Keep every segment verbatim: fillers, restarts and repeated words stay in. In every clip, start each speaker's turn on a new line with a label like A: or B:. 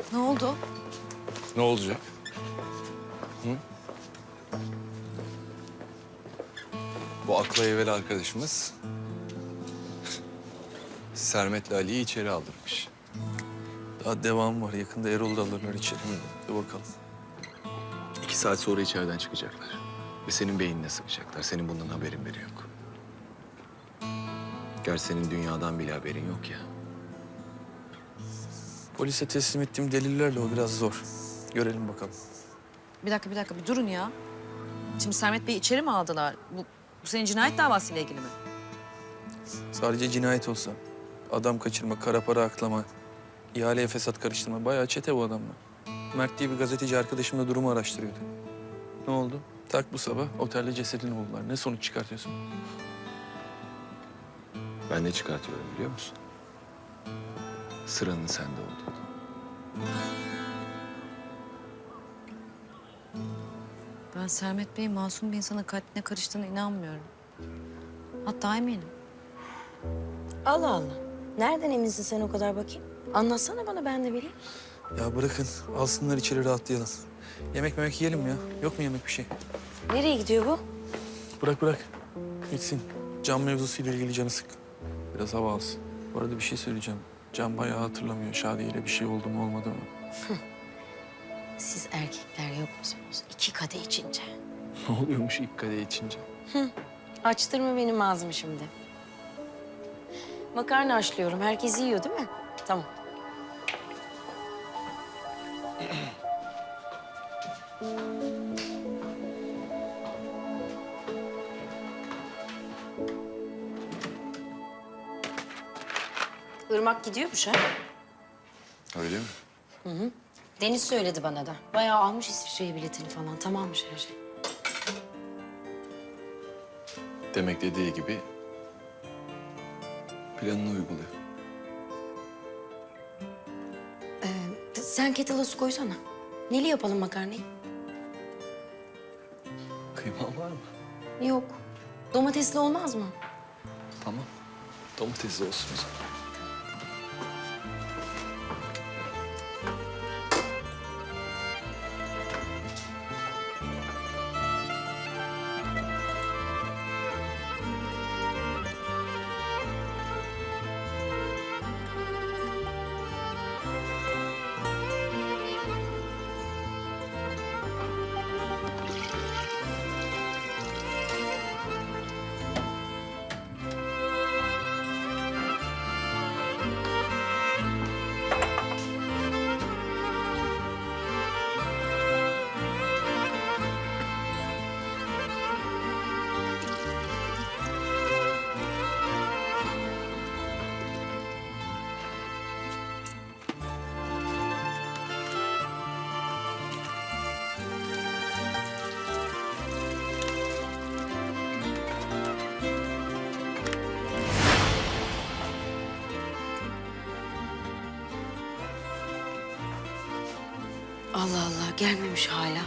A: Ne oldu?
B: Ne olacak? Hı? Bu akla evvel arkadaşımız Sermet'le Ali'yi içeri aldırmış.
C: Daha devam var. Yakında Erol da alırlar içeri. Dur bakalım.
B: İki saat sonra içeriden çıkacaklar. Ve senin beynine sıkacaklar. Senin bundan haberin bile yok. Gerçi senin dünyadan bile haberin yok ya.
C: Polise teslim ettiğim delillerle o biraz zor. Görelim bakalım.
A: Bir dakika, bir dakika. Bir durun ya. Şimdi Sermet Bey'i içeri mi aldılar? Bu, bu senin cinayet davasıyla ilgili mi?
C: Sadece cinayet olsa, adam kaçırma, kara para aklama, ihaleye fesat karıştırma. Bayağı çete bu adamlar. Mert diye bir gazeteci arkadaşımla durumu araştırıyordu. Ne oldu? Tak bu sabah otelde cesedini buldular. Ne sonuç çıkartıyorsun?
B: Ben ne çıkartıyorum biliyor musun? Sıranın sende olduğunu.
A: Ben Sermet Bey'in masum bir insanın katiline karıştığına inanmıyorum. Hatta eminim.
D: Allah Allah. Nereden eminsin sen o kadar bakayım? Anlatsana bana, ben de bileyim.
C: Ya bırakın, alsınlar içeri rahatlayalım. Yemek memek yiyelim ya. Yok mu yemek bir şey?
D: Nereye gidiyor bu?
C: Bırak bırak. Gitsin. Can mevzusuyla ilgili canı sık. Biraz hava alsın. Bu arada bir şey söyleyeceğim. Can bayağı hatırlamıyor. Şadiye ile bir şey oldu mu olmadı mı?
D: Siz erkekler yok musunuz? İki kadeh içince.
C: Ne oluyormuş ilk kadeh içince?
D: Açtırma benim ağzımı şimdi. Makarna haşlıyorum. Herkes yiyor değil mi? Tamam. Irmak gidiyormuş ha.
B: Öyle mi?
D: Deniz söyledi bana da. Bayağı almış İsviçre'ye biletini falan. Tamammış her şey.
B: Demek dediği gibi planını uyguluyor.
D: Ee, sen kettle'a su koysana. Neli yapalım makarnayı?
B: Kıyman var mı?
D: Yok. Domatesli olmaz mı?
B: Tamam. Domatesli olsun o zaman.
D: Allah Allah, gelmemiş hala.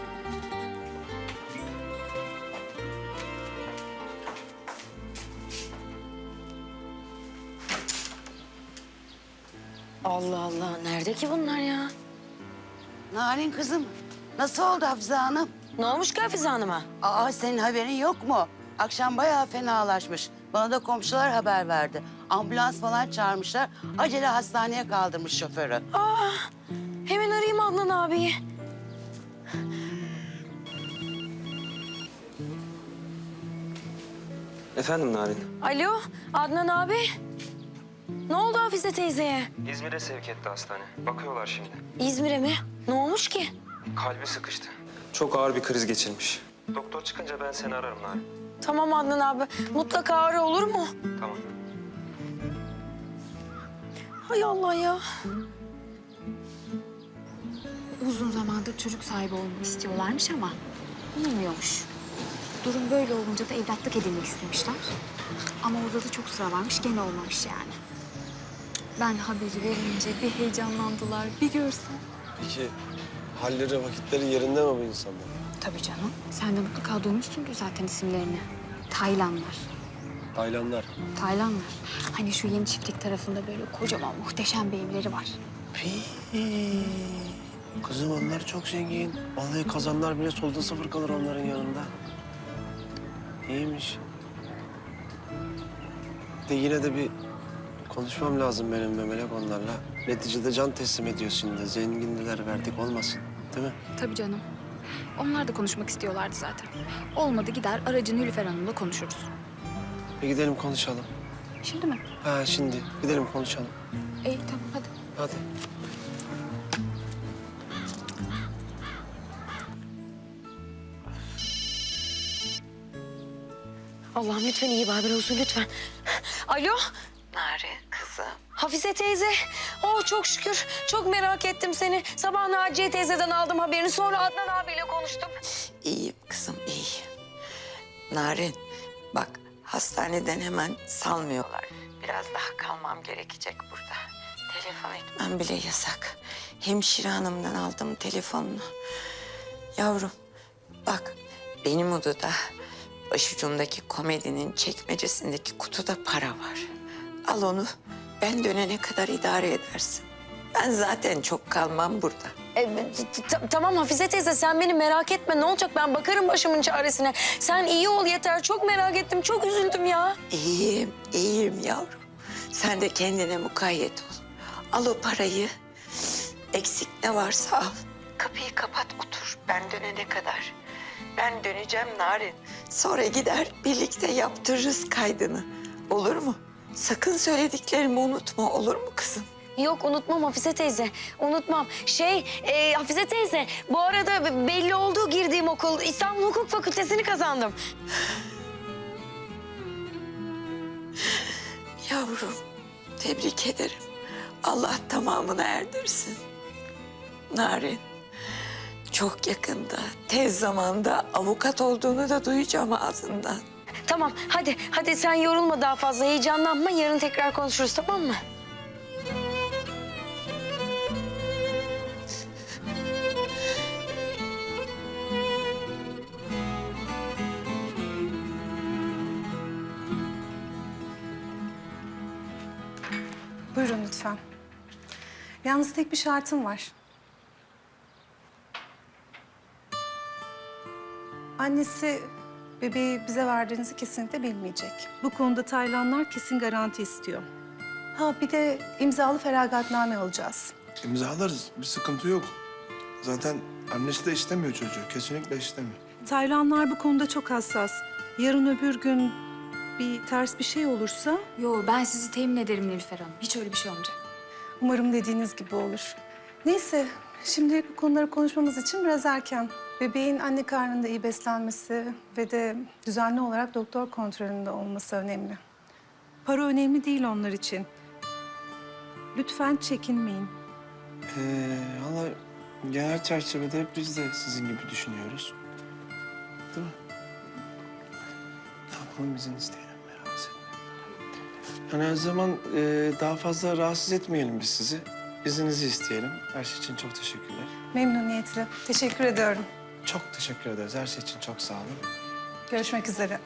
D: Allah Allah, nerede ki bunlar ya?
E: Narin kızım, nasıl oldu Hafize Hanım?
D: Ne olmuş ki Hafize Hanım'a?
E: Aa, senin haberin yok mu? Akşam bayağı fenalaşmış. Bana da komşular haber verdi. Ambulans falan çağırmışlar. Acele hastaneye kaldırmış şoförü.
D: Hemen arayayım Adnan abiyi.
F: Efendim Narin?
D: Alo, Adnan abi. Ne oldu Hafize teyzeye?
F: İzmir'e sevk etti hastane. Bakıyorlar şimdi.
D: İzmir'e mi? Ne olmuş ki?
F: Kalbi sıkıştı. Çok ağır bir kriz geçirmiş. Doktor çıkınca ben seni ararım Narin.
D: Tamam Adnan abi, mutlaka ara, olur mu?
F: Tamam.
D: Hay Allah ya.
G: Uzun zamandır çocuk sahibi olmak istiyorlarmış ama olmuyormuş. Durum böyle olunca da evlatlık edinmek istemişler. Ama orada da çok sıra varmış, gene olmamış yani. Ben haberi verince bir heyecanlandılar, bir görsen.
H: Peki halleri, vakitleri yerinde mi bu insanlar?
G: Tabii canım. Sen de mutlaka duymuşsundur zaten isimlerini. Taylanlar.
H: Taylanlar.
G: Taylanlar. Hani şu yeni çiftlik tarafında böyle kocaman muhteşem bir evleri var.
H: Pii. Kızım onlar çok zengin. Vallahi kazanlar bile solda sıfır kalır onların yanında. İyiymiş. De yine de bir konuşmam lazım benim Memelek onlarla. Neticede can teslim ediyor şimdi. Zenginliler verdik olmasın. Değil mi?
G: Tabii canım. Onlar da konuşmak istiyorlardı zaten. Olmadı gider aracı Nilüfer Hanım'la konuşuruz.
H: Bir gidelim konuşalım.
G: Şimdi mi?
H: Ha şimdi gidelim konuşalım.
G: İyi tamam hadi.
H: Hadi.
D: Allah'ım lütfen iyi bir haber olsun lütfen. Alo.
E: Nare kızım.
D: Hafize teyze. Oh çok şükür. Çok merak ettim seni. Sabah Naciye teyzeden aldım haberini. Sonra Adnan abiyle konuştum.
I: İyiyim kızım, iyiyim. Narin, bak hastaneden hemen salmıyorlar. Biraz daha kalmam gerekecek burada. Telefon etmem bile yasak. Hemşire hanımdan aldım telefonunu. Yavrum, bak benim odada başucumdaki komedinin çekmecesindeki kutuda para var. Al onu, ben dönene kadar idare edersin. Ben zaten çok kalmam burada.
D: E, t- t- tamam Hafize teyze sen beni merak etme. Ne olacak ben bakarım başımın çaresine. Sen iyi ol yeter. Çok merak ettim. Çok üzüldüm ya.
I: İyiyim, iyiyim yavrum. Sen de kendine mukayyet ol. Al o parayı. Eksik ne varsa al. Kapıyı kapat otur ben dönene kadar. Ben döneceğim Narin. Sonra gider birlikte yaptırırız kaydını. Olur mu? Sakın söylediklerimi unutma olur mu kızım?
D: Yok unutmam Hafize teyze. Unutmam. Şey e, Hafize teyze bu arada belli oldu girdiğim okul. İstanbul Hukuk Fakültesini kazandım.
I: Yavrum tebrik ederim. Allah tamamını erdirsin. Narin çok yakında tez zamanda avukat olduğunu da duyacağım ağzından.
D: Tamam hadi hadi sen yorulma daha fazla. Heyecanlanma. Yarın tekrar konuşuruz tamam mı?
J: Buyurun lütfen. Yalnız tek bir şartım var. Annesi bebeği bize verdiğinizi kesinlikle bilmeyecek. Bu konuda Taylanlar kesin garanti istiyor. Ha bir de imzalı feragatname alacağız.
K: İmzalarız. Bir sıkıntı yok. Zaten annesi de istemiyor çocuğu. Kesinlikle istemiyor.
J: Taylanlar bu konuda çok hassas. Yarın öbür gün bir ters bir şey olursa
G: Yo ben sizi temin ederim Nilüfer Hanım. Hiç öyle bir şey olmayacak.
J: umarım dediğiniz gibi olur. Neyse, şimdilik bu konuları konuşmamız için biraz erken. Bebeğin anne karnında iyi beslenmesi ve de düzenli olarak doktor kontrolünde olması önemli. Para önemli değil onlar için. Lütfen çekinmeyin.
H: Ee, valla genel çerçevede hep biz de sizin gibi düşünüyoruz. Değil mi? Ne yapalım izin isteyelim, rahatsız etmeyelim. Yani her zaman e, daha fazla rahatsız etmeyelim biz sizi. İzninizi isteyelim. Her şey için çok teşekkürler.
J: Memnuniyetle. Teşekkür ediyorum.
H: Çok teşekkür ederiz. Her şey için çok sağ olun.
J: Görüşmek üzere.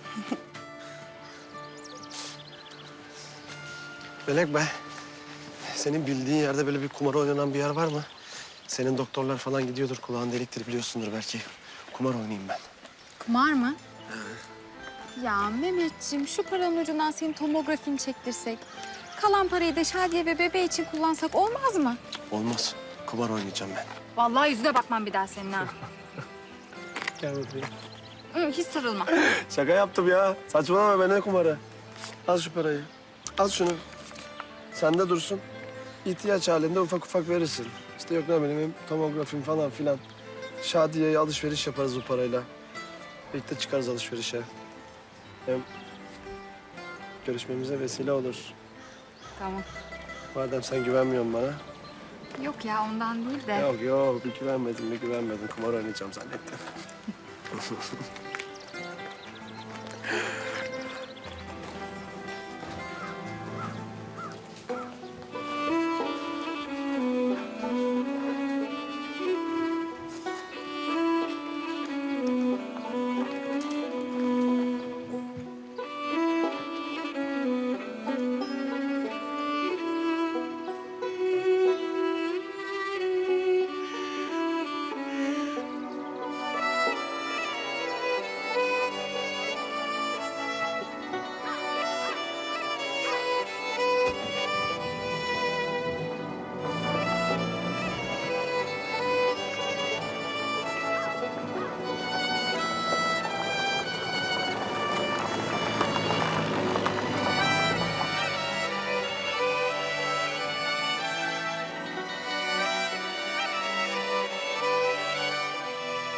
H: Melek be, senin bildiğin yerde böyle bir kumar oynanan bir yer var mı? Senin doktorlar falan gidiyordur, kulağın deliktir biliyorsundur belki. Kumar oynayayım ben.
G: Kumar mı? Ya Mehmetciğim şu paranın ucundan senin tomografini çektirsek. Kalan parayı da Şadiye ve bebeği için kullansak olmaz mı?
H: Olmaz. Kumar oynayacağım ben.
G: Vallahi yüzüne bakmam bir daha senin ha.
H: Gel bakayım.
G: Hı, hiç sarılma.
H: Şaka yaptım ya. Saçmalama be ne kumarı. Al şu parayı. Al şunu. Sende dursun. İhtiyaç halinde ufak ufak verirsin. İşte yok ne bileyim tomografim falan filan. Şadiye'ye alışveriş yaparız bu parayla. Birlikte çıkarız alışverişe. Hem görüşmemize vesile olur.
G: Tamam.
H: Madem sen güvenmiyorsun bana.
G: Yok ya ondan değil de.
H: Yok yok bir güvenmedim bir güvenmedim. Kumar oynayacağım zannettim.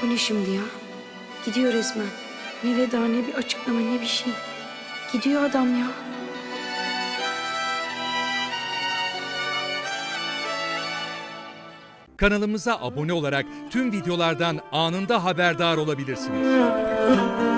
D: Bu ne şimdi ya? Gidiyor resmen. Ne veda, ne bir açıklama, ne bir şey. Gidiyor adam ya.
L: Kanalımıza abone olarak tüm videolardan anında haberdar olabilirsiniz.